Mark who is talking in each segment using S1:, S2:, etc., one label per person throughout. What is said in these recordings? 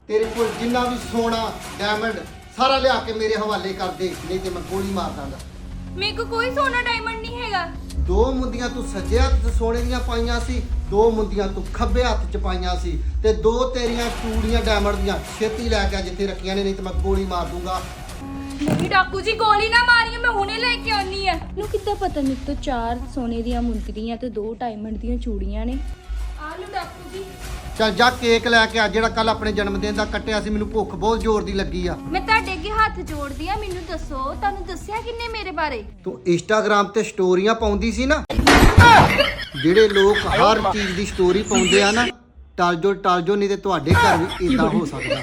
S1: तेरे को जिन्ना भी सोना डायमंड सारा लिया के मेरे हवाले कर दे, नहीं तो मैं गोली मार दांगा।
S2: मेरे को कोई सोना डायमंड नहीं हैगा।
S1: दो मुंदियां तू सज्जे हत्थ च सोने दियां पाईयां सी, दो मुंदियां तू खब्बे हत्थ च पाईयां सी, ते दो तेरियां चूड़ियां डायमंड दियां छेती लैके आ जिथे रखियां ने, नहीं तो मैं गोली मार दूंगा।
S2: नहीं डाकू जी गोली ना मारियो, मैं हुणे लेके आनी है।
S3: ਨੂੰ ਕਿੱਦਾਂ ਪਤਾ ਮੇਰੇ ਤੋਂ 4 ਸੋਨੇ ਦੀਆਂ ਮੁੰਦਰੀਆਂ ਤੇ 2 ਡਾਇਮੰਡ ਦੀਆਂ ਚੂੜੀਆਂ ਨੇ।
S2: आलू डाकू जी
S1: ਚੱਲ ਜਾ ਕੇਕ ਲੈ ਕੇ ਆ ਜਿਹੜਾ ਕੱਲ ਆਪਣੇ ਜਨਮ ਦਿਨ ਦਾ ਕੱਟਿਆ ਸੀ, ਮੈਨੂੰ ਭੁੱਖ ਬਹੁਤ ਜ਼ੋਰ ਦੀ ਲੱਗੀ ਆ।
S2: मैं ਤੁਹਾਡੇ ਅੱਗੇ ਹੱਥ ਜੋੜਦੀ ਆ, ਮੈਨੂੰ ਦੱਸੋ ਤੁਹਾਨੂੰ ਦੱਸਿਆ ਕਿੰਨੇ ਮੇਰੇ ਬਾਰੇ?
S1: ਤੂੰ ਇੰਸਟਾਗ੍ਰਾਮ ਤੇ ਸਟੋਰੀਆਂ ਪਾਉਂਦੀ ਸੀ ਨਾ, ਜਿਹੜੇ ਲੋਕ ਹਰ ਚੀਜ਼ ਦੀ ਸਟੋਰੀ ਪਾਉਂਦੇ ਆ ਨਾ, ਟਲ ਜੋ ਨਹੀਂ ਤੇ ਤੁਹਾਡੇ ਘਰ ਵੀ ਇਦਾਂ ਹੋ ਸਕਦਾ।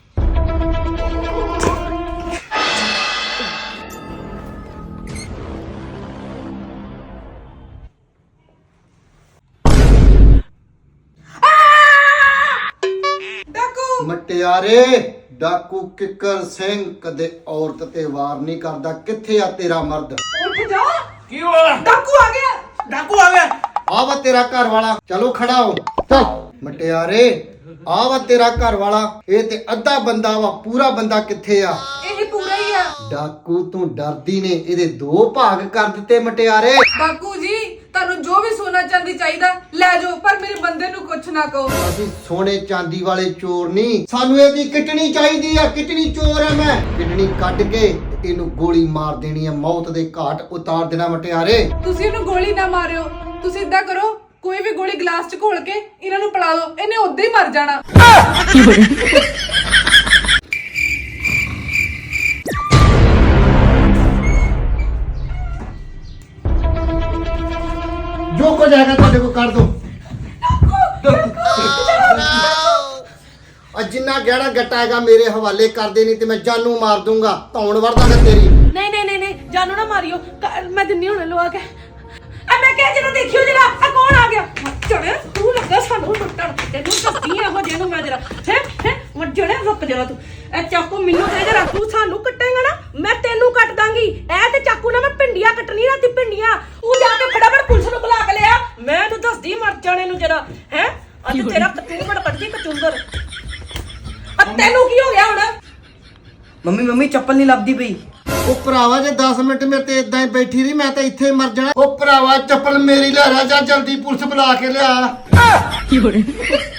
S1: ਮਟਿਆਰੇ ਡਾਕੂ ਕਿੱਕਰ ਸਿੰਘ ਕਦੇ ਔਰਤ ਤੇ ਵਾਰ ਨਹੀਂ ਕਰਦਾ। ਕਿੱਥੇ ਆ ਤੇਰਾ ਮਰਦ?
S4: ਉੱਠ ਜਾ।
S5: ਕੀ ਹੋਇਆ?
S4: ਡਾਕੂ ਆ ਗਿਆ।
S5: ਡਾਕੂ ਆ ਗਿਆ।
S1: ਆ ਵਾ ਤੇਰਾ ਘਰ ਵਾਲਾ, ਚਲੋ ਖੜਾ ਹੋ। ਚੱਲ ਮਟਿਆਰੇ ਆ ਵਾ ਤੇਰਾ ਘਰ ਵਾਲਾ, ਇਹ ਤੇ ਅੱਧਾ ਬੰਦਾ ਵਾ, ਪੂਰਾ ਬੰਦਾ ਕਿੱਥੇ ਆ?
S4: ਇਹ ਪੂਰਾ ਹੀ ਆ।
S1: ਡਾਕੂ ਤੂੰ ਡਰਦੀ ਨੇ ਇਹਦੇ 2 ਭਾਗ ਕਰ ਦਿੱਤੇ ਮਟਿਆਰੇ।
S4: ਡਾਕੂ ਜੀ ਤੁਹਾਨੂੰ ਜੋ ਵੀ ਸੋਨਾ ਚਾਂਦੀ ਚਾਹੀਦਾ ਲੈ ਜਾਓ, ਪਰ ਮੇਰੇ ਬੰਦੇ ਨੂੰ ਕੁਛ ਨਾ ਕਹੋ।
S1: ਅਸੀਂ ਸੋਨੇ ਚਾਂਦੀ ਵਾਲੇ ਚੋਰ ਨਹੀਂ, ਸਾਨੂੰ ਇਹਦੀ ਕਿਟਣੀ ਚਾਹੀਦੀ ਆ। ਕਿਟਣੀ ਚੋਰ ਆ ਮੈਂ, ਕਿਟਣੀ ਕੱਢ ਕੇ ਇਹਨੂੰ ਗੋਲੀ ਮਾਰ ਦੇਣੀ ਆ, ਮੌਤ ਦੇ ਘਾਟ ਉਤਾਰ ਦੇਣਾ ਮਟਿਆਰੇ।
S4: ਤੁਸੀਂ ਇਹਨੂੰ ਗੋਲੀ ਨਾ ਮਾਰਿਓ, ਤੁਸੀਂ ਇਦਾਂ ਕਰੋ ਕੋਈ ਵੀ ਗੋਲੀ ਗਲਾਸ 'ਚ ਘੋਲ ਕੇ ਇਹਨਾਂ ਨੂੰ ਪਿਲਾ ਦਿਓ, ਇਹਨੇ ਉਦਾਂ ਹੀ ਮਰ ਜਾਣਾ।
S1: ਜੋ ਕੁਝ ਹੈਗਾ ਤੁਹਾਡੇ ਕੋਲ ਕਰ ਦੋ। ਜਿੰਨਾ ਗਹਿਣਾ ਗੱਟਾ ਹੈਗਾ ਮੇਰੇ ਹਵਾਲੇ ਕਰ ਦੇ, ਨਹੀਂ ਤੇ ਮੈਂ ਜਾਨੂ ਮਾਰ ਦੂੰਗਾ, ਧੌਣ ਵਰਦਾਂਗਾ ਤੇਰੀ।
S4: ਨਹੀਂ ਨਹੀਂ ਨਹੀਂ ਜਾਨੂ ਨਾ ਮਾਰਿਓ, ਮੈਂ ਦਿੰਨੀ ਹੁਣ ਲਵਾ ਕੇ। ਆ ਮੈਂ ਕਿਹਾ ਜਦੋਂ ਦੇਖਿਓ ਜਰਾ ਆ ਕੌਣ ਆ ਗਿਆ? ਚੜੇ ਤੂੰ ਲੱਗਾ ਸਾਨੂੰ ਲੁੱਟਣ, ਤੈਨੂੰ ਦੱਸਦੀ ਇਹੋ ਜਿਹੇ ਨੂੰ ਮੈਂ ਜਰਾ ਹੈ ਵੱਜਣੇ। ਰੁਕ ਜਰਾ ਤੂੰ, ਇਹ ਚਾਕੂ ਮੈਨੂੰ ਦੇ ਜਰਾ, ਤੂੰ ਸਾਨੂੰ ਕੱਟੇਗਾ ਨਾ ਮੈਂ ਤੈਨੂੰ ਕੱਟ ਦਾਂਗੀ। ਇਹ ਤੇ ਚਾਕੂ ਨਾਲ ਮੈਂ ਪਿੰਡੀਆਂ ਕੱਟਣੀ ਰਾਤੀ, ਪਿੰਡੀਆਂ। ਤੂੰ ਜਾ ਕੇ ਫਟਾਫਟ ਪੁਲਿਸ ਨੂੰ ਬੁਲਾ ਕੇ ਲਿਆ, ਮੈਂ ਤੂੰ ਦੱਸਦੀ ਮਰ ਜਾਣੇ ਨੂੰ ਜਰਾ ਹੈ। ਅੱਜ ਤੇਰਾ ਕਚੂੰਬੜ ਕੱਢਦੀ ਕਚੂੰਬੜ। ਆ ਤੈਨੂੰ ਕੀ ਹੋ ਗਿਆ ਹੁਣ?
S5: ਮੰਮੀ ਚੱਪਲ ਨਹੀਂ ਲੱਭਦੀ ਪਈ।
S1: ਉਹ ਭਰਾਵਾ ਜੇ 10 ਮਿੰਟ ਮੇਰੇ ਤੇ ਇਦਾਂ ਹੀ ਬੈਠੀ ਰਹੀ ਮੈਂ ਤਾਂ ਇੱਥੇ ਹੀ ਮਰ ਜਾਣਾ। ਉਹ ਭਰਾਵਾ ਚੱਪਲ ਮੇਰੀ ਲੈ ਜਾ, ਜਲਦੀ ਪੁਲਿਸ ਬੁਲਾ ਕੇ ਲਿਆ।